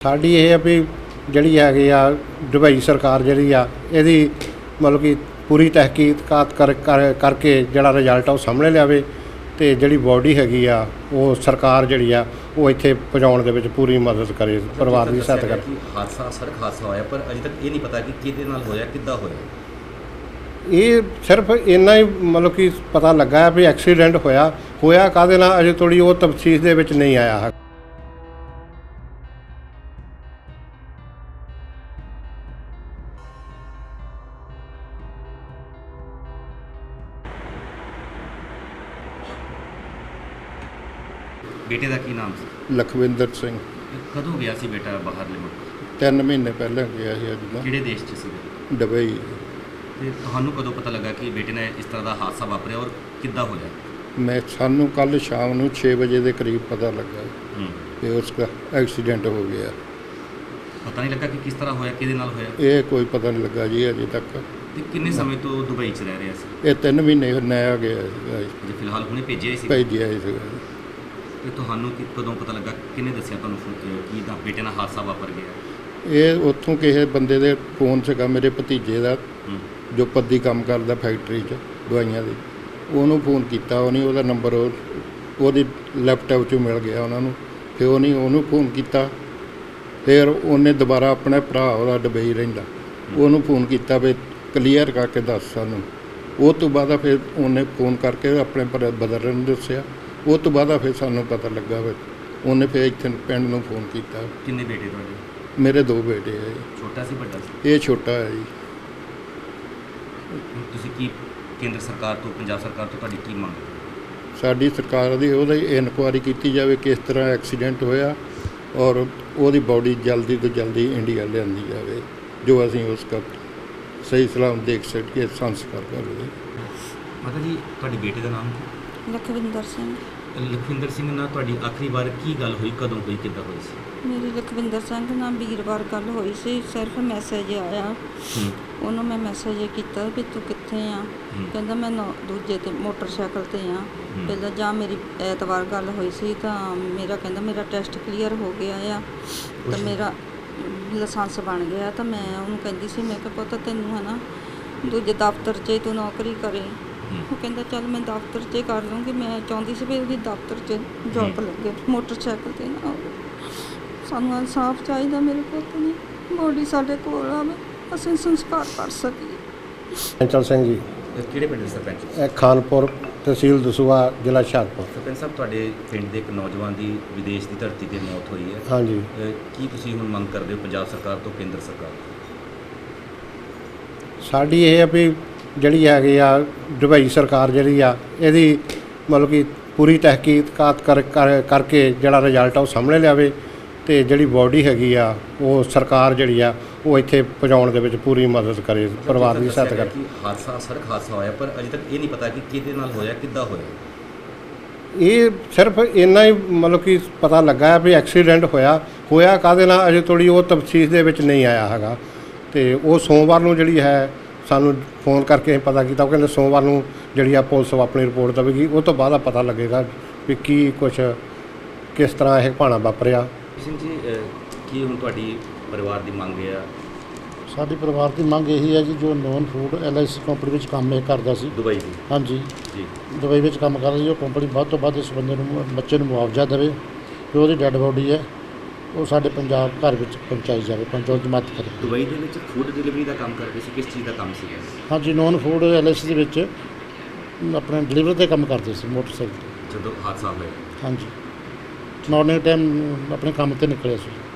ਸਾਡੀ ਇਹ ਆ ਵੀ ਜਿਹੜੀ ਹੈਗੀ ਆ ਦੁਬਈ ਸਰਕਾਰ ਜਿਹੜੀ ਆ ਇਹਦੀ ਮਤਲਬ ਕਿ ਪੂਰੀ ਤਹਿਕੀਕਾਤ ਕਰਕੇ ਜਿਹੜਾ ਰਿਜ਼ਲਟ ਆ ਉਹ ਸਾਹਮਣੇ ਲਿਆਵੇ ਤੇ ਜਿਹੜੀ ਬੋਡੀ ਹੈਗੀ ਆ ਉਹ ਸਰਕਾਰ ਜਿਹੜੀ ਆ ਉਹ ਇੱਥੇ ਪਹੁੰਚਾਉਣ ਦੇ ਵਿੱਚ ਪੂਰੀ ਮਦਦ ਕਰੇ, ਪਰਿਵਾਰ ਦੀ ਸਹਾਇਤਾ ਕਰੇ। ਸੜਕ ਹਾਦਸਾ ਹੋਇਆ ਪਰ ਅਜੇ ਤੱਕ ਇਹ ਨਹੀਂ ਪਤਾ ਕਿ ਕਿਹਦੇ ਨਾਲ ਹੋਇਆ, ਕਿੱਦਾਂ ਹੋਇਆ। ਇਹ ਸਿਰਫ ਇੰਨਾ ਹੀ ਮਤਲਬ ਕਿ ਪਤਾ ਲੱਗਾ ਵੀ ਐਕਸੀਡੈਂਟ ਹੋਇਆ ਕਾਹਦੇ ਨਾਲ ਅਜੇ ਥੋੜੀ ਉਹ ਤਫਸੀਲ ਦੇ ਵਿੱਚ ਨਹੀਂ ਆਇਆ ਹੈ। ਬੇਟੇ ਦਾ ਕੀ ਨਾਮ ਸੀ? ਲਖਵਿੰਦਰ ਸਿੰਘ। ਕਦੋਂ ਗਿਆ ਸੀ ਬੇਟਾ ਬਾਹਰਲੇ ਮੁਲਕ? 3 ਮਹੀਨੇ ਪਹਿਲਾਂ ਗਿਆ ਸੀ। ਅੱਜ ਦਾ ਕਿਹੜੇ ਦੇਸ਼ 'ਚ ਸੀ? ਦੁਬਈ। ਤੇ ਤੁਹਾਨੂੰ ਕਦੋਂ ਪਤਾ ਲੱਗਾ ਕਿ ਬੇਟੇ ਨੇ ਇਸ ਤਰ੍ਹਾਂ ਦਾ ਹਾਦਸਾ ਵਾਪਰਿਆ ਔਰ ਕਿੱਦਾਂ ਹੋਇਆ? ਸਾਨੂੰ ਕੱਲ ਸ਼ਾਮ ਨੂੰ 6 ਵਜੇ ਦੇ ਕਰੀਬ ਪਤਾ ਲੱਗਾ ਕਿ ਉਸ ਦਾ ਐਕਸੀਡੈਂਟ ਹੋ ਗਿਆ। ਪਤਾ ਨਹੀਂ ਲੱਗਾ ਕਿ ਕਿਸ ਤਰ੍ਹਾਂ ਹੋਇਆ, ਕਿਹਦੇ ਨਾਲ ਹੋਇਆ? ਇਹ ਕੋਈ ਪਤਾ ਨਹੀਂ ਲੱਗਾ ਜੀ ਅਜੇ ਤੱਕ। ਤੇ ਕਿੰਨੇ ਸਮੇਂ ਤੋਂ ਦੁਬਈ 'ਚ ਰਹਿ ਰਿਹਾ ਸੀ? ਇਹ 3 ਮਹੀਨੇ ਨਇਆ ਗਿਆ ਸੀਗਾ। ਜੇ ਫਿਲਹਾਲ ਹੁਣੇ ਭੇਜਿਆ ਸੀ? ਭੇਜਿਆ ਸੀਗਾ। ਤੇ ਤੁਹਾਨੂੰ ਕਦੋਂ ਪਤਾ ਲੱਗਾ, ਕਿਹਨੇ ਦੱਸਿਆ ਤੁਹਾਨੂੰ ਕਿ ਤਾਂ ਬੇਟੇ ਨਾਲ ਹਾਦਸਾ ਵਾਪਰ ਗਿਆ? ਇਹ ਉੱਥੋਂ ਕਿਸੇ ਬੰਦੇ ਦੇ ਫੋਨ ਸੀਗਾ, ਮੇਰੇ ਭਤੀਜੇ ਦਾ ਜੋ ਪੱਦੀ ਕੰਮ ਕਰਦਾ ਫੈਕਟਰੀ 'ਚ ਦਵਾਈਆਂ ਦੀ। ਉਹਨੂੰ ਫੋਨ ਕੀਤਾ, ਉਹਦਾ ਨੰਬਰ ਉਹਦੀ ਲੈਪਟਾਪ 'ਚੋਂ ਮਿਲ ਗਿਆ ਉਹਨਾਂ ਨੂੰ। ਫਿਰ ਉਹਨੂੰ ਫੋਨ ਕੀਤਾ। ਫਿਰ ਉਹਨੇ ਦੁਬਾਰਾ ਆਪਣੇ ਭਰਾ ਉਹਦਾ ਦੁਬਈ ਰਹਿੰਦਾ, ਉਹਨੂੰ ਫੋਨ ਕੀਤਾ ਵੀ ਕਲੀਅਰ ਕਰਕੇ ਦੱਸ ਸਾਨੂੰ। ਉਹ ਤੋਂ ਬਾਅਦ ਫਿਰ ਉਹਨੇ ਫੋਨ ਕਰਕੇ ਆਪਣੇ ਬ੍ਰਦਰ ਨੂੰ ਦੱਸਿਆ। ਉਹ ਤੋਂ ਬਾਅਦ ਫਿਰ ਸਾਨੂੰ ਪਤਾ ਲੱਗਾ ਵੀ ਉਹਨੇ ਫਿਰ ਇੱਥੇ ਪਿੰਡ ਨੂੰ ਫੋਨ ਕੀਤਾ। ਕਿੰਨੇ ਬੇਟੇ ਤੁਹਾਡੇ? ਮੇਰੇ 2 ਬੇਟੇ ਆ ਜੀ। ਛੋਟਾ ਸੀ ਵੱਡਾ ਸੀ? ਇਹ ਛੋਟਾ ਹੈ ਜੀ। ਤੁਸੀਂ ਕੀ ਕੇਂਦਰ ਸਰਕਾਰ ਤੋਂ, ਪੰਜਾਬ ਸਰਕਾਰ ਤੋਂ ਤੁਹਾਡੀ ਕੀ ਮੰਗ? ਸਾਡੀ ਸਰਕਾਰ ਦੀ ਉਹਦੀ ਇਨਕੁਆਇਰੀ ਕੀਤੀ ਜਾਵੇ ਕਿਸ ਤਰ੍ਹਾਂ ਐਕਸੀਡੈਂਟ ਹੋਇਆ ਔਰ ਉਹਦੀ ਬਾਡੀ ਜਲਦੀ ਤੋਂ ਜਲਦੀ ਇੰਡੀਆ ਲਿਆਂਦੀ ਜਾਵੇ, ਜੋ ਅਸੀਂ ਉਸ ਦਾ ਸਹੀ ਸਲਾਮ ਦੇਖ ਸਕੀਏ, ਸੰਸਕਾਰ ਕਰ ਲਈਏ। ਮਾਤਾ ਜੀ, ਤੁਹਾਡੇ ਬੇਟੇ ਦਾ ਨਾਮ ਕੀ? ਲਖਵਿੰਦਰ ਸਿੰਘ। ਲਖਵਿੰਦਰ ਸਿੰਘ ਨਾਲ ਤੁਹਾਡੀ ਆਖਰੀ ਵਾਰ ਕੀ ਗੱਲ ਹੋਈ, ਕਦੋਂ ਹੋਈ, ਕਿੱਦਾਂ ਹੋਈ ਸੀ? ਮੇਰੀ ਲਖਵਿੰਦਰ ਸਿੰਘ ਨਾਲ ਵੀਰਵਾਰ ਗੱਲ ਹੋਈ ਸੀ। ਸਿਰਫ ਮੈਸੇਜ ਆਇਆ, ਉਹਨੂੰ ਮੈਂ ਮੈਸੇਜ ਕੀਤਾ ਵੀ ਤੂੰ ਕਿੱਥੇ ਆ। ਕਹਿੰਦਾ ਮੈਂ ਦੂਜੇ ਤੇ ਮੋਟਰਸਾਈਕਲ ਤੇ ਆ। ਪਹਿਲਾਂ ਜਾਂ ਮੇਰੀ ਐਤਵਾਰ ਗੱਲ ਹੋਈ ਸੀ ਤਾਂ ਕਹਿੰਦਾ ਮੇਰਾ ਟੈਸਟ ਕਲੀਅਰ ਹੋ ਗਿਆ ਆ ਤਾਂ ਮੇਰਾ ਲਾਇਸੈਂਸ ਬਣ ਗਿਆ। ਤਾਂ ਮੈਂ ਉਹਨੂੰ ਕਹਿੰਦੀ ਸੀ, ਮੈਂ ਕਿਹਾ ਪੁੱਤ ਤੈਨੂੰ ਹੈ ਨਾ ਦੂਜੇ ਦਫ਼ਤਰ 'ਚ ਤੂੰ ਨੌਕਰੀ ਕਰੇ। ਉਹ ਕਹਿੰਦਾ ਚੱਲ ਮੈਂ ਦਫ਼ਤਰ 'ਚ ਕਰ ਲੂੰਗੀ। ਮੈਂ ਚਾਹੁੰਦੀ ਸੀ ਵੀ ਉਹਦੀ ਦਫ਼ਤਰ 'ਚ ਜੌਬ ਲੱਗੇ, ਮੋਟਰਸਾਈਕਲ 'ਤੇ ਨਾ ਹੋਵੇ। ਸਾਨੂੰ ਇਨਸਾਫ ਚਾਹੀਦਾ, ਮੇਰੇ ਪੁੱਤ ਦੀ ਬੋਡੀ ਸਾਡੇ ਕੋਲ ਆਵੇ, ਅਸੀਂ ਸੰਸਕਾਰ ਕਰ ਸਕੀਏ। ਚੰਚਲ ਸਿੰਘ ਜੀ। ਕਿਹੜੇ ਪਿੰਡ ਦੇ ਸਰਪੰਚ? ਇਹ ਖਾਨਪੁਰ, ਤਹਿਸੀਲ ਦਸੂਹਾ, ਜ਼ਿਲ੍ਹਾ ਹੁਸ਼ਿਆਰਪੁਰ। ਸਰਪੰਚ ਸਾਹਿਬ, ਤੁਹਾਡੇ ਪਿੰਡ ਦੇ ਇੱਕ ਨੌਜਵਾਨ ਦੀ ਵਿਦੇਸ਼ ਦੀ ਧਰਤੀ 'ਤੇ ਮੌਤ ਹੋਈ ਹੈ। ਹਾਂਜੀ। ਕੀ ਤੁਸੀਂ ਹੁਣ ਮੰਗ ਕਰਦੇ ਹੋ ਪੰਜਾਬ ਸਰਕਾਰ ਤੋਂ, ਕੇਂਦਰ ਸਰਕਾਰ ਤੋਂ? ਸਾਡੀ ਇਹ ਆ ਵੀ ਜਿਹੜੀ ਹੈਗੀ ਆ ਦੁਬਈ ਸਰਕਾਰ ਜਿਹੜੀ ਆ ਇਹਦੀ ਮਤਲਬ ਕਿ ਪੂਰੀ ਤਹਿਕੀਕਾਤ ਕਰਕੇ ਜਿਹੜਾ ਰਿਜ਼ਲਟ ਆ ਉਹ ਸਾਹਮਣੇ ਲਿਆਵੇ ਤੇ ਜਿਹੜੀ ਬੋਡੀ ਹੈਗੀ ਆ ਉਹ ਸਰਕਾਰ ਜਿਹੜੀ ਆ ਉਹ ਇੱਥੇ ਪਹੁੰਚਾਉਣ ਦੇ ਵਿੱਚ ਪੂਰੀ ਮਦਦ ਕਰੇ, ਪਰਿਵਾਰ ਦੀ ਸਹਾਇਤਾ ਕਰੇ। ਸੜਕ ਹਾਦਸਾ ਹੋਇਆ ਪਰ ਅਜੇ ਤੱਕ ਇਹ ਨਹੀਂ ਪਤਾ ਕਿ ਕਿਹਦੇ ਨਾਲ ਹੋਇਆ, ਕਿੱਦਾਂ ਹੋਇਆ। ਇਹ ਸਿਰਫ ਇੰਨਾ ਹੀ ਮਤਲਬ ਕਿ ਪਤਾ ਲੱਗਾ ਵੀ ਐਕਸੀਡੈਂਟ ਹੋਇਆ ਕਾਹਦੇ ਨਾਲ ਅਜੇ ਥੋੜੀ ਉਹ ਤਫਸੀਲ ਦੇ ਵਿੱਚ ਨਹੀਂ ਆਇਆ ਹੈਗਾ। ਤੇ ਉਹ ਸੋਮਵਾਰ ਨੂੰ ਜਿਹੜੀ ਹੈ ਸਾਨੂੰ ਫੋਨ ਕਰਕੇ ਪਤਾ ਕੀਤਾ। ਉਹ ਕਹਿੰਦੇ ਸੋਮਵਾਰ ਨੂੰ ਜਿਹੜੀ ਆ ਪੁਲਿਸ ਆਪਣੀ ਰਿਪੋਰਟ ਦੇਵੇਗੀ, ਉਹ ਤੋਂ ਬਾਅਦ ਪਤਾ ਲੱਗੇਗਾ ਵੀ ਕਿਸ ਤਰ੍ਹਾਂ ਇਹ ਭਾਣਾ ਵਾਪਰਿਆ। ਸਿੰਘ ਜੀ, ਕੀ ਹੁਣ ਤੁਹਾਡੀ ਪਰਿਵਾਰ ਦੀ ਮੰਗ ਹੈ? ਸਾਡੀ ਪਰਿਵਾਰ ਦੀ ਮੰਗ ਇਹੀ ਹੈ ਜੀ, ਜੋ ਨੋਨ ਫੂਡ LIC ਕੰਪਨੀ ਵਿੱਚ ਕੰਮ ਇਹ ਕਰਦਾ ਸੀ ਦੁਬਈ ਦੀ। ਹਾਂਜੀ ਜੀ। ਦੁਬਈ ਵਿੱਚ ਕੰਮ ਕਰਦਾ ਸੀ। ਉਹ ਕੰਪਨੀ ਵੱਧ ਤੋਂ ਵੱਧ ਇਸ ਬੰਦੇ ਨੂੰ, ਬੱਚੇ ਨੂੰ ਮੁਆਵਜ਼ਾ ਦੇਵੇ, ਜੋ ਉਹਦੀ ਡੈੱਡ ਬੋਡੀ ਹੈ ਉਹ ਸਾਡੇ ਪੰਜਾਬ ਘਰ ਵਿੱਚ ਪਹੁੰਚਾਈ ਜਾਵੇ, ਪਹੁੰਚਾਉਣ ਦੀ ਮਦਦ ਕਰੇ। ਦੁਬਈ ਦੇ ਵਿੱਚ ਫੂਡ ਡਿਲੀਵਰੀ ਦਾ ਕੰਮ ਕਰਦੇ ਸੀ, ਕਿਸ ਚੀਜ਼ ਦਾ ਕੰਮ ਸੀਗਾ? ਹਾਂਜੀ, ਨੋਨ ਫੂਡ LIC ਦੇ ਵਿੱਚ ਆਪਣੇ ਡਿਲੀਵਰੀ ਦਾ ਕੰਮ ਕਰਦੇ ਸੀ ਮੋਟਰਸਾਈਕਲ 'ਤੇ। ਜਦੋਂ ਹਾਦਸਾ ਹੋਇਆ? ਹਾਂਜੀ, ਮਾਰਨਿੰਗ ਟਾਈਮ ਆਪਣੇ ਕੰਮ 'ਤੇ ਨਿਕਲਿਆ ਸੀ।